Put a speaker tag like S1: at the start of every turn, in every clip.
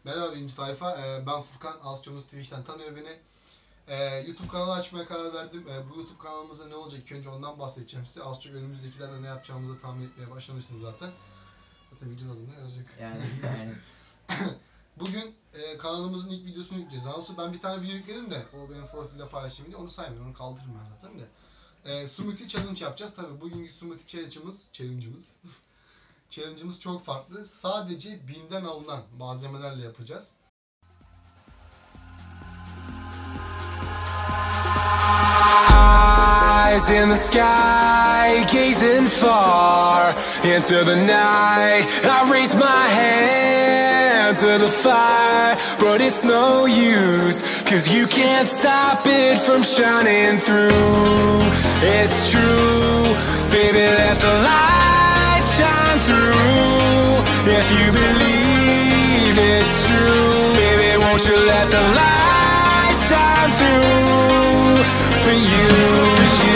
S1: Merhaba birinci tayfa. Ben Furkan. Asçomuz Twitch'ten tanıyor beni. YouTube kanalı açmaya karar verdim. Bu YouTube kanalımızda ne olacak? İlk önce ondan bahsedeceğim size. Az çok önümüzdekilerle ne yapacağımızı tahmin etmeye başlamışsınız zaten. Zaten videonun adını yazacak.
S2: Yani.
S1: Bugün kanalımızın ilk videosunu yükleyeceğiz. Daha doğrusu ben bir tane video yükledim de o benim profilde paylaşayım diye onu saymıyorum. Onu kaldırırım ben zaten de. Smoothie Challenge yapacağız. Tabii bugünkü Smoothie Challenge'ımız çok farklı. Sadece BİM'den alınan malzemelerle yapacağız.
S3: Eyes in the sky, gazing far into the night. I raise my hand to the fire, but it's no use, 'cause you can't stop it from shining through. It's true, baby, let the light shine through. If you believe it's true, baby, won't you let the light shine through for you.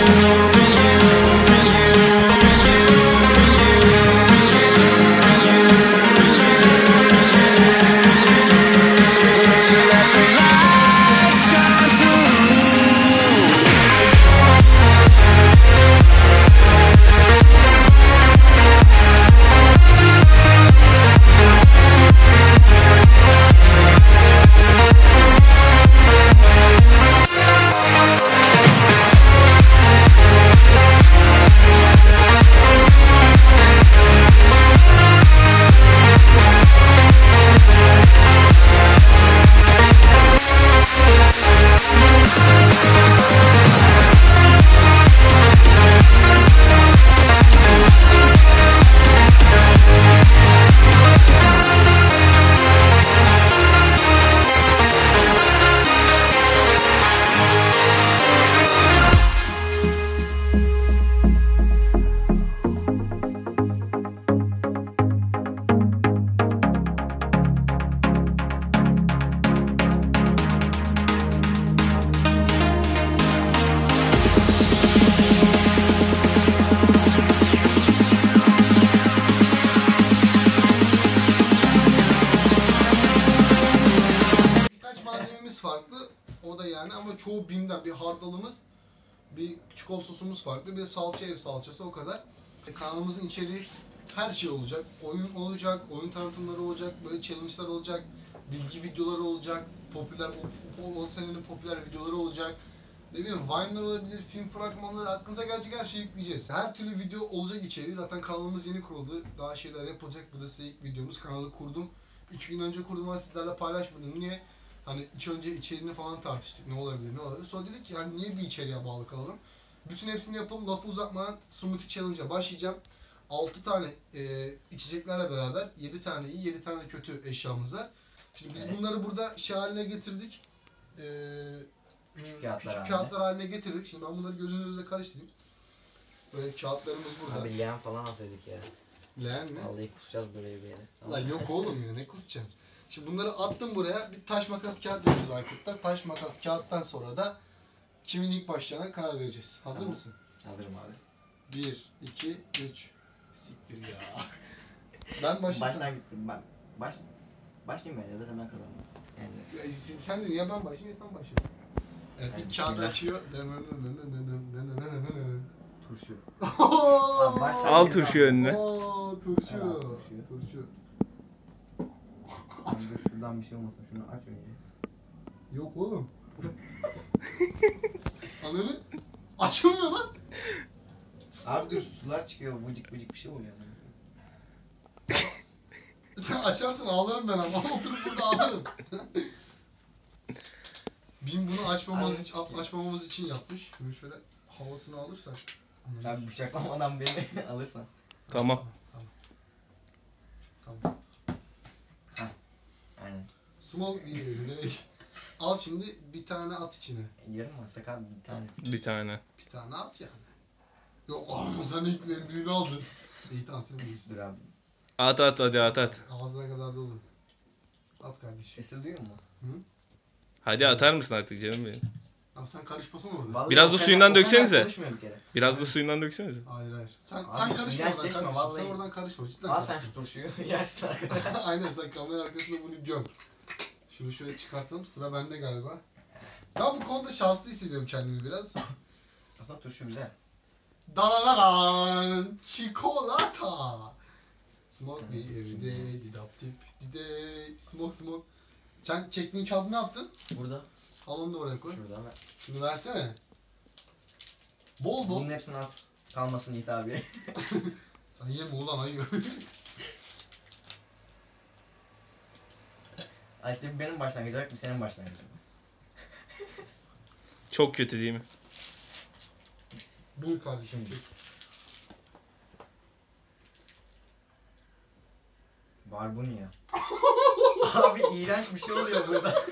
S1: Farklı. O da yani ama çoğu BİM'den bir hardalımız, bir çikolata sosumuz farklı, bir salça ev salçası o kadar. Kanalımızın içeriği her şey olacak. Oyun olacak, oyun tanıtımları olacak, böyle challenge'lar olacak, bilgi videoları olacak, popüler o senenin popüler videoları olacak. Ne bileyim Vine'lar olabilir, film fragmanları, aklınıza gelecek her şeyi yükleyeceğiz. Her türlü video olacak içeriği. Zaten kanalımız yeni kuruldu. Daha şeyler yapılacak. Bu da size ilk videomuz. Kanalı kurdum. 2 gün önce kurdum ama sizlerle paylaşmadım. Niye? Hani önce içeriğini falan tartıştık. Ne olabilir, ne olabilir. Sonra dedik ki hani niye bir içeriğe bağlı kalalım? Bütün hepsini yapalım. Lafı uzatmadan Smoothie Challenge'a başlayacağım. 6 tane içeceklerle beraber 7 tane iyi, 7 tane kötü eşyamız var. Şimdi biz bunları burada şey haline getirdik. Küçük kağıtlar haline getirdik. Şimdi ben bunları gözünüzle karıştırayım. Böyle kağıtlarımız burada.
S2: Abi leğen falan alsaydık ya.
S1: Leğen mi?
S2: Vallahi kusacağız böyle bir yere. Tamam.
S1: Lan yok oğlum ya ne kusacaksın? Şimdi bunları attım buraya. Bir taş makas kağıt yapacağız Aykut'ta. Taş makas kağıttan sonra da kimin ilk başlayacağına karar vereceğiz. Hazır mısın?
S2: Hazırım abi.
S1: 1, 2, 3. Siktir ya. Ben başlayayım.
S2: Baştan gittim ben. Başlayayım ben ya zaten ben kazandım. Yani.
S1: Ya, sen de ya ben başlayayım ya sen başla. Evet ilk kağıdı açıyor.
S2: Turşu.
S4: Al turşu önüne.
S1: Turşu.
S2: Dur şuradan bir şey olmasın. Şunu aç önce.
S1: Yok oğlum. Ananı açılmıyor lan.
S2: Abi dur sular çıkıyor. Vıcık bir şey oluyor.
S1: Sen açarsın ağlarım ben ama oturup burada ağlarım. BİM bunu açmamamız için yapmış. Şimdi şöyle havasını alırsak.
S2: Abi bıçaklamadan beni alırsan.
S4: Tamam.
S2: Heh. Aynen.
S1: Small bir al şimdi bir tane at içine.
S2: Yarım mı? Sakal bir tane.
S4: Bir tane.
S1: Bir tane at yani. Yok ama sen ilk birini aldın. İyi tamam sen bilirsin.
S2: Dur abi.
S4: At hadi at.
S1: Ağzına kadar dolu. At kardeşim.
S2: Sesi duyuyor mu?
S1: Hı?
S4: Hadi atar mısın artık canım benim?
S1: Abi sen karışmasana orada.
S2: Vallahi
S4: Biraz da suyundan döksenize.
S2: Bir kere.
S4: Biraz da suyundan döksenize.
S1: Hayır. Sen
S2: Abi,
S1: karışma oradan
S2: ilaçleşme,
S1: kardeşim.
S2: vallahi.
S1: Sen oradan karışma cidden.
S2: Al sen şu turşuyu yersin arkadaşlar.
S1: Aynen sen kamera arkasında bunu göm. Şunu şöyle çıkartalım. Sıra bende galiba. Ben bu konuda şanslı hissediyorum kendimi biraz.
S2: Aslında turşu güzel.
S1: Danananan çikolata. Smoke me every day, didap dip, dide, smoke. Sen çektiğin kağıdı ne yaptın?
S2: Burada.
S1: Al onu da oraya koy.
S2: Şurada ama.
S1: Şunu versene. Bol bol.
S2: Bunun hepsini at. Kalmasın Yiğit abi.
S1: Sen yeme ulan ayı.
S2: Ay işte bir benim başlangıcım, bir senin başlangıcın.
S4: Çok kötü değil mi?
S1: Buyur kardeşim.
S2: Şimdi. Barbunya. Abi iğrenç bir şey oluyor burada.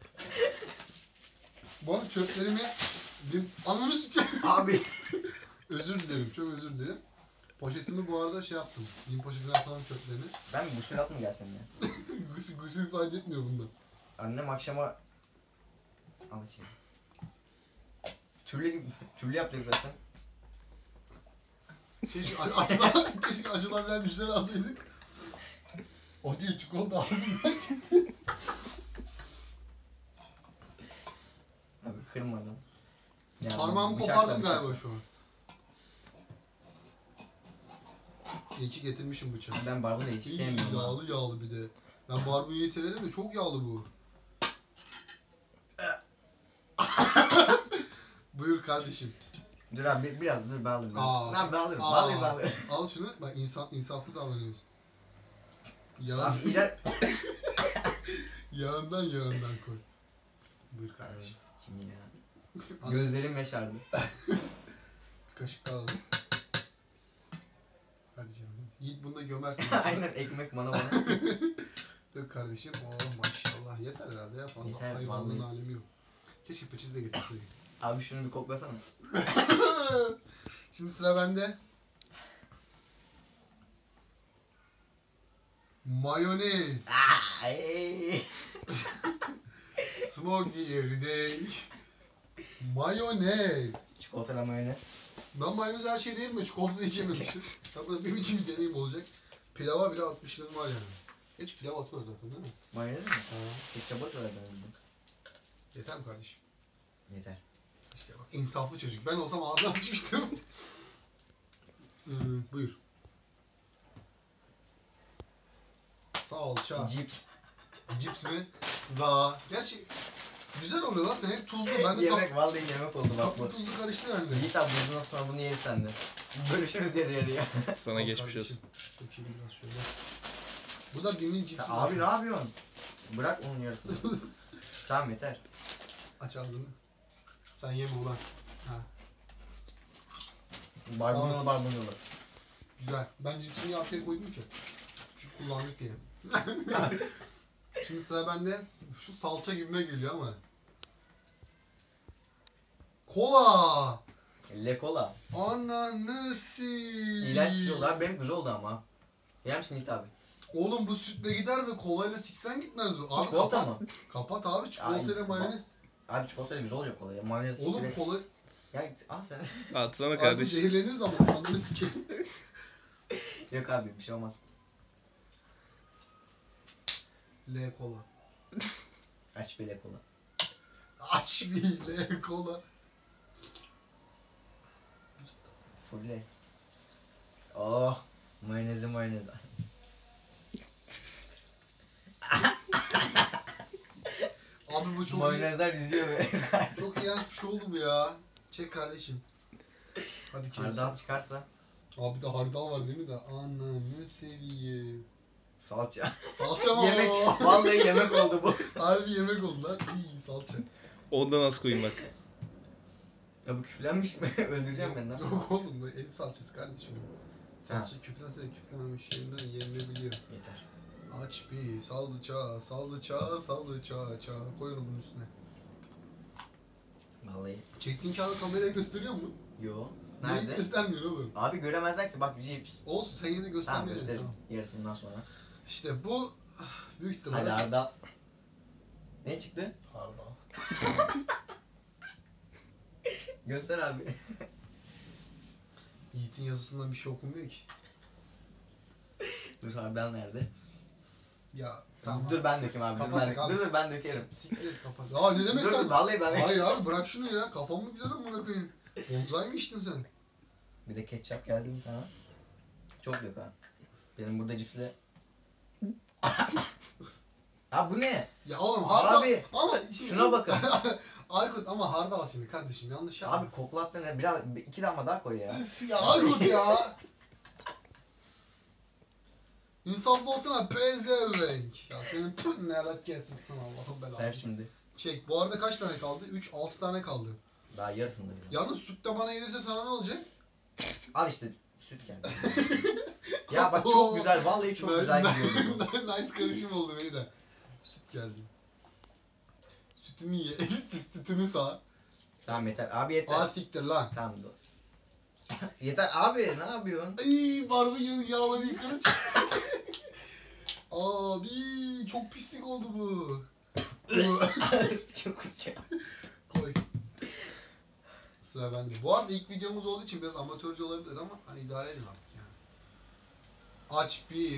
S1: Bu arada çöplerimi bir ananı sikeyim.
S2: Abi.
S1: Özür dilerim, çok özür dilerim. Poşetimi bu arada şey yaptım. Yine poşetine atalım çöplerini.
S2: Ben bir gusül at mı gelsem ya?
S1: Gusül fayda etmiyor bunda.
S2: Annem akşama... Al şey. Türlü yapacak zaten.
S1: Keşke acılabilen bir şeyler alsaydık. O değil, çikolata ağzımdan çıktı.
S2: Abi kırmadan. Ya
S1: Parmağımı
S2: bıçakla
S1: kopardım
S2: bıçakla.
S1: galiba şu an. İyi ki getirmişim bıçağı.
S2: Ben barbunyayı hiç
S1: İyi,
S2: sevmiyorum.
S1: yağlı bir de. Ben barbunyayı severim de çok yağlı bu. Buyur kardeşim.
S2: Dur abi biraz dur ben alırım.
S1: Aa.
S2: Ben alırım.
S1: Aa.
S2: Alırım.
S1: Al şunu. Bak insaflı davranıyorsun. Yağ,
S2: Abi iler...
S1: yağından koy. Buyur kardeşim.
S2: Şimdi ya.
S1: Al,
S2: Gözlerim yaşardı.
S1: bir kaşık daha alalım. Hadi canım. Yiğit bunu da gömersin.
S2: Aynen ekmek bana.
S1: Dök kardeşim. Oh maşallah. Yeter herhalde ya. Fazla
S2: Yeter,
S1: hayvanlığın
S2: vallahi.
S1: alemi yok. Keşke peçete de getirseydik.
S2: Abi şunu bir koklasana.
S1: Şimdi sıra bende. Mayonez.
S2: Ay.
S1: Smokey everyday. Mayonez.
S2: Çikolatalı mayonez.
S1: Ben mayonez her şey değil mi? Çikolata da içememişim. Tabii benim için bir deneyim olacak. Pilava bile atmışlığım var yani. Geç pilav atıyor zaten değil mi?
S2: Mayonez mi?
S1: Ha.
S2: Ketçap atıyorlar ben.
S1: Yeter mi kardeşim?
S2: Yeter.
S1: İşte bak insaflı çocuk. Ben olsam ağzına sıçmıştım. Buyur. Salça.
S2: Cips.
S1: Cips mi? Za. Gerçi güzel oluyor lan. Sen hep tuzlu. Ben de
S2: Yemek vallahi yemek oldu bak
S1: tatlı
S2: bu.
S1: tuzlu karıştı bende.
S2: Yiğit abi bundan sonra bunu yeriz sen de. Bölüşürüz yarı yarıya.
S4: Sana
S1: Al
S4: geçmiş
S1: kardeşim.
S4: olsun.
S1: Dökeyim biraz şöyle. Bu da Bim'in cipsi.
S2: Ya abi ne yapıyorsun? Bırak onun yarısını. Tamam yeter.
S1: Aç ağzını. Sen yeme ulan. Ha.
S2: Barbunyalı.
S1: Güzel. Ben cipsini arkaya koydum ki. Çünkü kullandık diye. Şimdi sıra bende. Şu salça gibime geliyor ama. Kola.
S2: Le kola.
S1: Ananası.
S2: İğrenç diyorlar. Benim güzel oldu ama. Yer misin Yiğit abi?
S1: Oğlum bu sütle gider de kolayla siksen gitmez bu. Abi
S2: Çikolata
S1: kapat.
S2: mı?
S1: Kapat abi çikolatayla
S2: Ay,
S1: mayonez.
S2: Abi çikolatayla güzel oluyor kola ya. Mayonez
S1: Oğlum
S2: direkt-
S1: kola...
S2: Ya al sen.
S4: Atsana
S1: Abi
S4: kardeşim.
S1: zehirleniriz ama ananı sikeyim.
S2: Yok abi bir şey olmaz.
S1: L kola.
S2: Aç bir le kola.
S1: Aç bir L kola.
S2: Fulle. Oh. Mayonez.
S1: Abi bu çok
S2: Mayonezler yüzüyor be.
S1: çok iğrenç bir şey oldu bu ya. Çek kardeşim. Hadi kes.
S2: Hardal çıkarsa.
S1: Abi de hardal var değil mi de? Ananı seveyim.
S2: Salça.
S1: Salça mı
S2: Yemek.
S1: o?
S2: Vallahi yemek oldu bu.
S1: Harbi yemek oldu lan. İyi salça.
S4: Ondan az koyayım bak.
S2: Ya bu küflenmiş mi? Öldüreceğim ben lan.
S1: Yok oğlum bu ev salçası kardeşim.
S2: Ha.
S1: Salça küflense de küflenmemiş yerinden yenilebiliyor.
S2: Yeter.
S1: Aç bir salça. Koy onu bunun üstüne.
S2: Vallahi.
S1: Çektiğin kağıdı kameraya gösteriyor mu?
S2: Yo.
S1: Neyi
S2: Nerede?
S1: göstermiyor oğlum?
S2: Abi göremezler ki bak cips.
S1: Olsun sen yine
S2: Tamam
S1: göstermeye.
S2: gösteririm.
S1: Tamam.
S2: Yarısından sonra.
S1: İşte bu büyük ihtimalle.
S2: Hadi Hardal. Ne çıktı?
S1: Hardal.
S2: Göster abi.
S1: Yiğit'in yazısından bir şey okunmuyor ki.
S2: Dur Hardal nerede?
S1: Ya Tamam.
S2: Dur ben dökeyim abi.
S1: Kapat abi.
S2: Dur ben dökerim.
S1: Siktir et kapat. Aa ne demek
S2: Dur
S1: sen?
S2: vallahi ben.
S1: Hayır abi bırak şunu ya. Kafam mı güzel amına koyayım? Bonzai mı içtin sen?
S2: Bir de ketçap geldi mi sana? Çok yok ha. Benim burada cipsle. Ha bu ne?
S1: Ya oğlum hardal.
S2: Abi,
S1: Ama şimdi...
S2: şuna bakın.
S1: Aykut ama hardal şimdi kardeşim yanlış yapma.
S2: Abi koklattın ne? Biraz 2 damla daha koy ya.
S1: Üf ya Aykut ya. İnsaflı olsana pezevenk. Ya senin pıh ne alak gelsin sana Allah'ın
S2: Ver
S1: belası.
S2: şimdi.
S1: Çek. Bu arada kaç tane kaldı? 3, 6 tane kaldı.
S2: Daha yarısında bile.
S1: Yalnız süt de bana gelirse sana ne olacak?
S2: Al işte süt geldi. Ya bak çok güzel. Vallahi çok güzel gidiyordu bu.
S1: Nice karışım oldu beyler. Süt geldi. Sütümü ye. Sütümü sağ.
S2: Tamam yeter. Abi yeter.
S1: Aa siktir lan.
S2: Tamam dur. Yeter abi ne yapıyorsun?
S1: Ay barbekünün yağları yukarı çıktı. Abi çok pislik oldu bu. Koy. Sıra bende. Bu arada ilk videomuz olduğu için biraz amatörce olabilir ama hani idare edin artık yani. Aç bir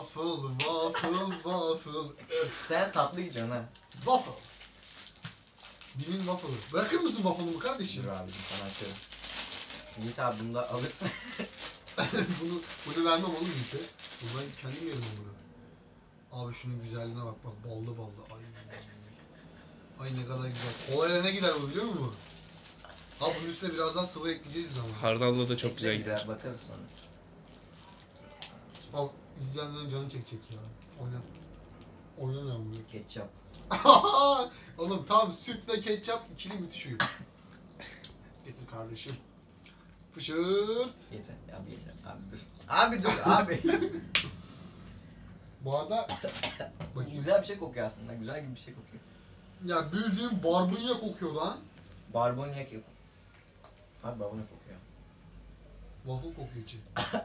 S1: waffle.
S2: Sen tatlı gidiyorsun ha.
S1: Waffle. Dimin waffle'ı. Bırakır mısın waffle'ımı kardeşim?
S2: Dur abicim sana açıyorum. Yiğit abi bunu da alırsın.
S1: bunu vermem oğlum Yiğit'e. Bunu ben kendim yerim bunu. Abi şunun güzelliğine bak ballı. Ay ne kadar güzel. Kolayla ne gider bu biliyor musun? Abi bunun üstüne biraz daha sıvı ekleyeceğiz biz ama.
S4: Hardallı da çok güzel gider.
S2: Güzel bakarız sonra.
S1: Abi izleyenlerin canı çekecek ya. Oynamıyorum bunu.
S2: Ketçap.
S1: Oğlum tam sütle ketçap ikili müthiş uyum. Getir kardeşim. Fışırt.
S2: Yeter abi yeter. Abi dur abi.
S1: Bu arada bakayım.
S2: Güzel bir şey kokuyor aslında. Güzel gibi bir şey kokuyor.
S1: Ya bildiğin barbunya kokuyor lan.
S2: Barbunya kokuyor. Abi barbunya kokuyor.
S1: Waffle kokuyor içi.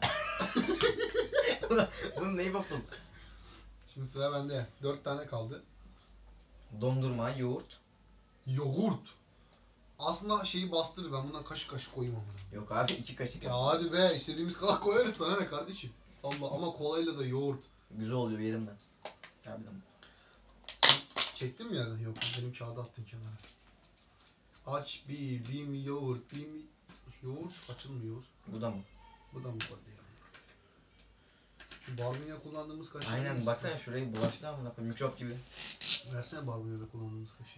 S2: Bunun neyi waffle?
S1: Şimdi sıra bende. 4 tane kaldı.
S2: Dondurma, yoğurt.
S1: Yoğurt. Aslında şeyi bastırır. Ben buna kaşık kaşık koyayım ama.
S2: Yok abi 2 kaşık.
S1: Ya hadi be istediğimiz kadar koyarız sana ne kardeşim. Allah ama kolayla da yoğurt.
S2: Güzel oluyor yerim ben. Harbiden.
S1: Çektin mi yerden? Yok benim kağıdı attın kenara. Aç bir yoğurt. Yoğurt açılmıyor.
S2: Bu da mı?
S1: Bu da mı koydu ya? Şu barbunya kullandığımız kaşığı.
S2: Aynen baksana şurayı bulaştı amına koyayım mikrop gibi.
S1: Versene barbunyada kullandığımız kaşığı.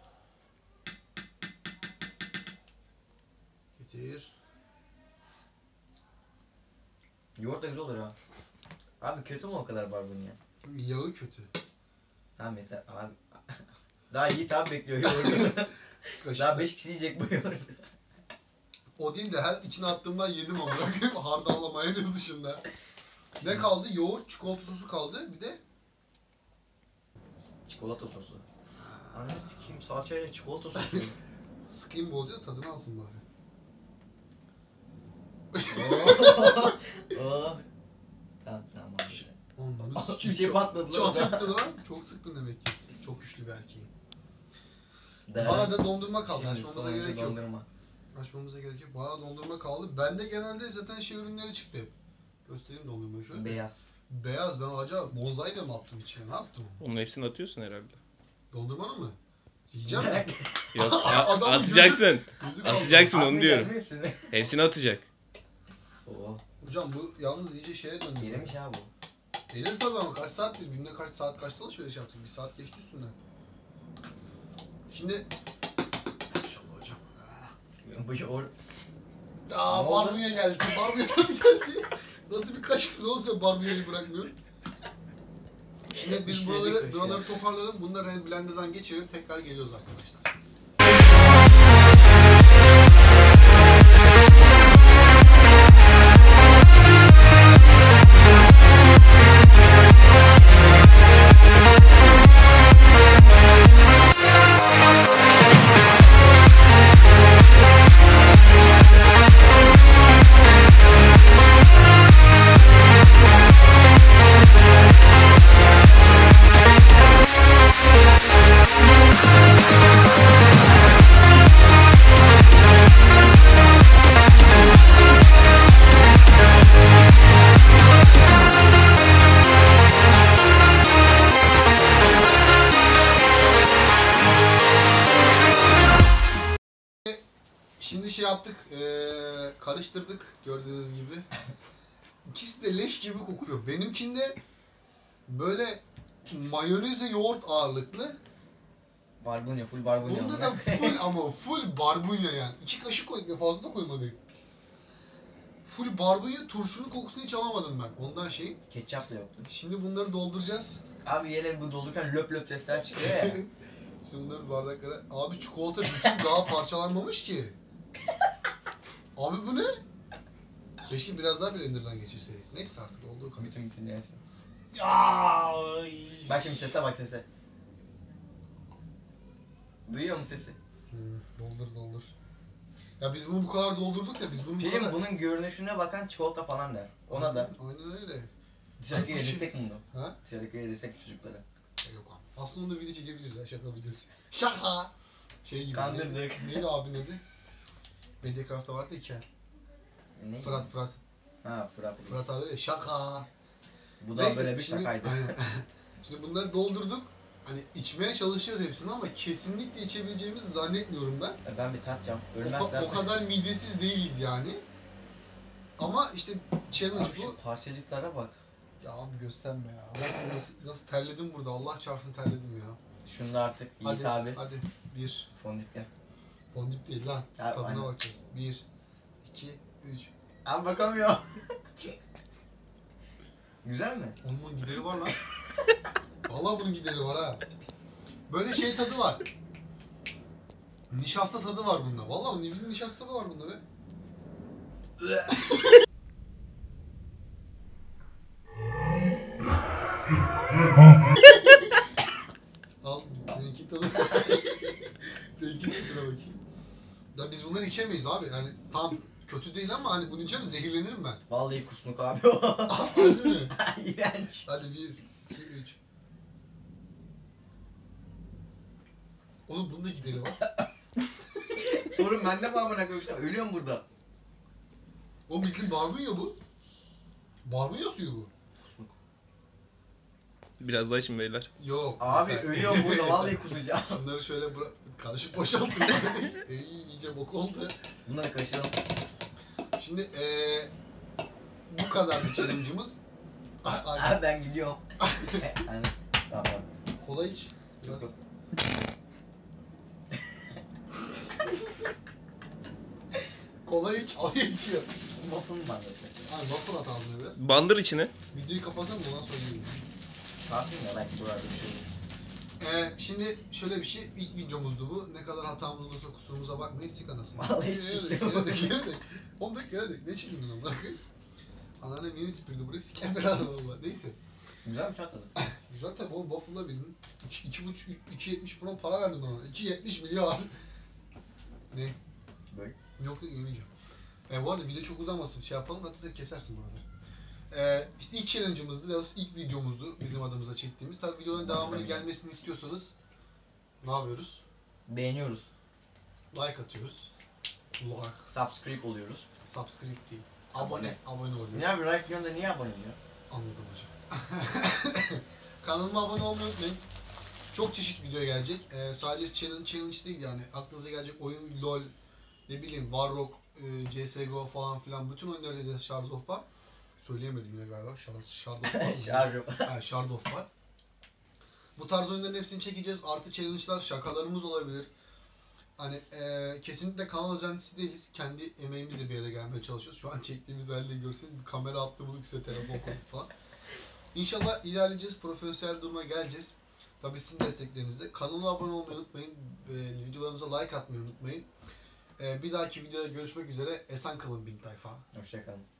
S1: Getir.
S2: Yoğurt da güzel olur ha. Abi kötü mü o kadar barbunya?
S1: Yağı kötü.
S2: Tamam yeter abi. Daha Yiğit abi bekliyor yoğurdu.
S1: Kaşık.
S2: Daha 5 kişi yiyecek bu yoğurdu.
S1: O değil de her içine attığımdan yedim ama. Hardalla mayonez dışında. Ne kaldı? Yoğurt, çikolata sosu kaldı. Bir de
S2: Çikolata sosu. Anne sikeyim salçayla çikolata sosu.
S1: sıkayım bolca tadını alsın bari.
S2: Oh. Tamam abi.
S1: Ondan
S2: Bir
S1: sikeyim.
S2: şey patladı lan.
S1: Çat etti lan. Çok sıktın demek ki. Çok güçlü bir erkeğim.
S2: Değer.
S1: Bana da dondurma kaldı.
S2: Şimdi
S1: Açmamıza
S2: sonuncu
S1: gerek yok.
S2: dondurma.
S1: Açmamıza gerek yok. Bana dondurma kaldı. Bende genelde zaten şey ürünleri çıktı. Göstereyim dondurmayı şöyle.
S2: Beyaz.
S1: Beyaz. Ben acaba bonzai de mi attım içine? Ne yaptım?
S4: Onun hepsini atıyorsun herhalde.
S1: Dondurmanın mı? Yiyeceğim mi?
S4: Yok
S1: Adamın
S4: atacaksın.
S1: Gözü kaldı.
S4: Atacaksın onu
S2: Atmayacak
S4: diyorum.
S2: mı hepsini?
S4: Hepsini atacak.
S2: Oo.
S1: Hocam bu yalnız iyice şeye döndü.
S2: Yemiş ha bu.
S1: Gelir tabii ama kaç saattir? Günde kaç saat kaçta alışveriş yaptık? Bir saat geçti üstünden. Şimdi... İnşallah hocam.
S2: Bu yoğurt.
S1: Aa
S2: Ne oldu?
S1: barbunya geldi. Barbunya tadı geldi. Nasıl bir kaşıksın oğlum sen barbunyayı bırakmıyorsun? Şimdi biz
S2: İşledik
S1: buraları
S2: kaşığı.
S1: toparlayalım. Bunları blenderdan geçirip tekrar geliyoruz arkadaşlar. şey yaptık, karıştırdık gördüğünüz gibi. İkisi de leş gibi kokuyor. Benimkinde böyle mayoneze yoğurt ağırlıklı.
S2: Barbunya, full barbunya.
S1: Bunda da full ama full barbunya yani. 2 kaşık koyduk, fazla da koymadık. Full barbunya, turşunun kokusunu hiç alamadım ben. Ondan şey.
S2: Ketçap da yoktu.
S1: Şimdi bunları dolduracağız.
S2: Abi yerleri bu doldururken löp löp sesler çıkıyor ya.
S1: Şimdi bunları bardaklara... Abi çikolata bütün daha parçalanmamış ki. Abi bu ne? Keşke biraz daha blenderdan geçirseydik. Neyse artık olduğu kadar.
S2: Bütün yersin.
S1: Ya.
S2: Bak şimdi sese bak sese. Duyuyor musun sesi?
S1: Doldur. Ya biz bunu bu kadar doldurduk da biz bunu bu
S2: Film
S1: kadar...
S2: bunun görünüşüne bakan çikolata falan der. Ona da.
S1: Aynen öyle.
S2: Dışarıdaki
S1: Abi bu
S2: yedirsek mi bunu?
S1: Ha?
S2: Dışarıdaki yedirsek çocuklara.
S1: Yok abi. Aslında onu da video çekebiliriz ya, şaka videosu. Şaka! Şey gibi.
S2: Kandırdık.
S1: Neydi abi neydi? Mediacraft'ta vardı hikaye.
S2: Ne?
S1: Fırat.
S2: Ha Fırat.
S1: Fırat abi de şaka.
S2: Bu da
S1: Neyse,
S2: böyle bir
S1: şimdi-
S2: şakaydı.
S1: Aynen. Şimdi bunları doldurduk. Hani içmeye çalışacağız hepsini ama kesinlikle içebileceğimizi zannetmiyorum ben.
S2: Ben bir tatacağım.
S1: O,
S2: Ölmezler.
S1: o kadar midesiz değiliz yani. Ama işte challenge
S2: Abi
S1: bu.
S2: şu parçacıklara bak.
S1: Ya abi gösterme ya. Bak nasıl terledim burada. Allah çarpsın terledim ya.
S2: Şunu da artık Yiğit
S1: Hadi
S2: abi.
S1: hadi. 1.
S2: Fondip gel.
S1: Fondip değil lan.
S2: Ya,
S1: Tadına
S2: aynen.
S1: bakacağız. 1, 2, 3.
S2: Abi bakamıyor. Güzel mi?
S1: Onun bunun gideri var lan. Vallahi bunun gideri var ha. Böyle şey tadı var. Nişasta tadı var bunda. Vallahi ne bileyim nişasta tadı var bunda be. Al seninki tadı. Seninki tadına bakayım. Ya biz bunları içemeyiz abi. Yani tam kötü değil ama hani bunu içerim zehirlenirim ben.
S2: Vallahi kusmuk abi o.
S1: Harbi mi?
S2: İğrenç.
S1: Hadi 1, 2, 3. Oğlum bunun da gideri var.
S2: Sorun bende mi amına koymuşlar? Ölüyorum burada.
S1: O bildiğin barbunya bu. Barbunya suyu bu.
S4: Biraz daha için beyler.
S1: Yok.
S2: Abi ölüyorum burada vallahi kusacağım.
S1: Bunları şöyle karışık boşaltın. İyice bok oldu.
S2: Bunları kaçıralım.
S1: Şimdi bu kadar bir challenge'ımız. Ay,
S2: Abi ben gidiyorum. Evet. Tamam.
S1: kola iç. Biraz.
S2: Yok.
S1: Kola iç. Ay içiyor.
S2: Waffle mı var mesela?
S1: Abi waffle at ağzına biraz.
S4: Bandır içine.
S1: Videoyu kapatalım ondan sonra yiyelim.
S2: Kalsın ya belki buralarda bir şey olur.
S1: Şimdi şöyle bir şey, ilk videomuzdu bu. Ne kadar hatamız olursa kusurumuza bakmayın, sik anasını.
S2: Vallahi siktim.
S1: Yere dök. Oğlum dök yere dök. Ne çekildin onu bırak. Anneannem yeni süpürdü burayı, siken beraber valla. Neyse.
S2: Güzel mi çok tadı?
S1: Güzel tabi oğlum, waffle'la bildin. 2,5-2,70 falan para verdin ona. 2,70 milyar. Ne?
S2: Böyle.
S1: Yok yemeyeceğim. Bu arada video çok uzamasın, şey yapalım da tek kesersin burada. İşte ilk challenge'ımızdı, daha doğrusu ilk videomuzdu bizim adımıza çektiğimiz. Tabi videoların devamını gelmesini istiyorsanız ne yapıyoruz?
S2: Beğeniyoruz.
S1: Like atıyoruz. Like,
S2: Subscribe oluyoruz.
S1: subscribe değil. Abone oluyoruz.
S2: Ne abi like diyorsun da niye abone oluyor?
S1: Anladım hocam. Kanalıma abone olmayı unutmayın. Çok çeşit video gelecek. Sadece challenge değil yani. Aklınıza gelecek oyun, LOL, ne bileyim, Warrock, CSGO falan filan. Bütün oyunlarda da Shards of var. Söyleyemedim yine galiba. Shard of var.
S2: Şarj yok.
S1: Shard of var. Bu tarz oyunların hepsini çekeceğiz. Artı challenge'lar, şakalarımız olabilir. Hani kesinlikle kanal özentisi değiliz. Kendi emeğimizle bir yere gelmeye çalışıyoruz. Şu an çektiğimiz halde görseniz bir kamera attı bulduk, size telefon koyduk falan. İnşallah ilerleyeceğiz. Profesyonel duruma geleceğiz. Tabii sizin desteklerinizle. Kanala abone olmayı unutmayın. Videolarımıza like atmayı unutmayın. Bir dahaki videoda görüşmek üzere. Esen kalın bin tayfa.
S2: Hoşçakalın.